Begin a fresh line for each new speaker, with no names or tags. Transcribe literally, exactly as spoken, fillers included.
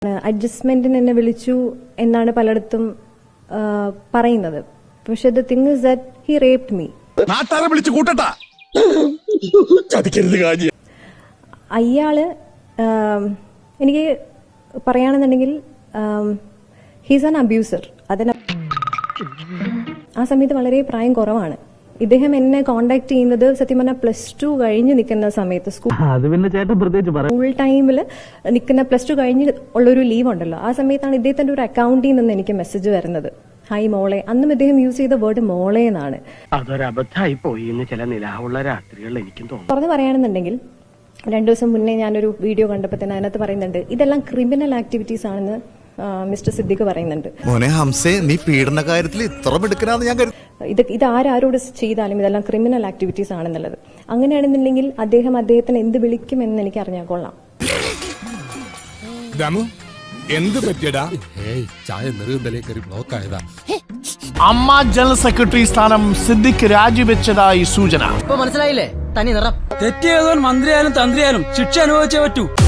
അഡ്ജസ്റ്റ്മെന്റിന് എന്നെ വിളിച്ചു എന്നാണ് പലയിടത്തും പറയുന്നത്. പക്ഷെ the thing is that he raped me.
നാട്ടാരെ വിളിച്ചു കൂട്ടട്ടാ ചതിക്കരുത് കാര്യം.
അയാള് എനിക്ക് പറയുകയാണെന്നുണ്ടെങ്കിൽ ഹീസ് ആൻ അബ്യൂസർ. അതിന് ആ സമയത്ത് വളരെ പ്രായം കുറവാണ്. ഇദ്ദേഹം എന്നെ കോണ്ടാക്ട് ചെയ്യുന്നത് സത്യം പറഞ്ഞാൽ പ്ലസ് ടു കഴിഞ്ഞ് നിൽക്കുന്ന സമയത്ത് സ്കൂൾ ടൈമിൽ നിൽക്കുന്ന പ്ലസ് ടു കഴിഞ്ഞ് ഉള്ളൊരു ലീവ് ഉണ്ടല്ലോ, ആ സമയത്താണ് ഇദ്ദേഹത്തിന്റെ ഒരു അക്കൗണ്ടിൽ നിന്ന് എനിക്ക് മെസ്സേജ് വരുന്നത്, ഹായ് മോളെ. അന്നും ഇദ്ദേഹം യൂസ് ചെയ്ത വേർഡ് മോളെ എന്നാണ്.
അതൊരബദ്ധമായി പോയി എന്ന് ചില നിലാവുള്ള രാത്രികളിൽ എനിക്കും തോന്നുന്നു.
തുറന്ന് പറയുകയാണെന്നുണ്ടെങ്കിൽ രണ്ടു ദിവസം മുന്നേ ഞാനൊരു വീഡിയോ കണ്ടപ്പോൾ തന്നെ അതിനകത്ത് പറയുന്നുണ്ട് ഇതെല്ലാം ക്രിമിനൽ ആക്ടിവിറ്റീസ് ആണെന്ന് മിസ്റ്റർ സിദ്ദിഖ് പറയുന്നുണ്ട്.
മോനെ ഹംസേ, നീ പീഡന കാര്യത്തിൽ ഇത്ര മിടുക്കനാന്ന് ഞാൻ കരുതി.
ഇത് ഇത് ആരോട് ചെയ്താലും ഇതെല്ലാം ക്രിമിനൽ ആക്ടിവിറ്റീസ് ആണെന്നുള്ളത്. അങ്ങനെയാണെന്നുണ്ടെങ്കിൽ അദ്ദേഹം അദ്ദേഹത്തിന് എന്ത് വിളിക്കുമെന്ന് എനിക്ക് അറിഞ്ഞാൽ കൊള്ളാം.
എന്ത് പറ്റിയടാ?
അമ്മ ജനറൽ സെക്രട്ടറി സ്ഥാനം സിദ്ദിഖ് രാജിവെച്ചതായി സൂചന.
മനസ്സിലായില്ലേ? തനി നിറം
തെറ്റിയതോൻ മന്ത്രിയായാലും തന്ത്രിയായാലും ശിക്ഷ അനുഭവിച്ചേ പറ്റൂ.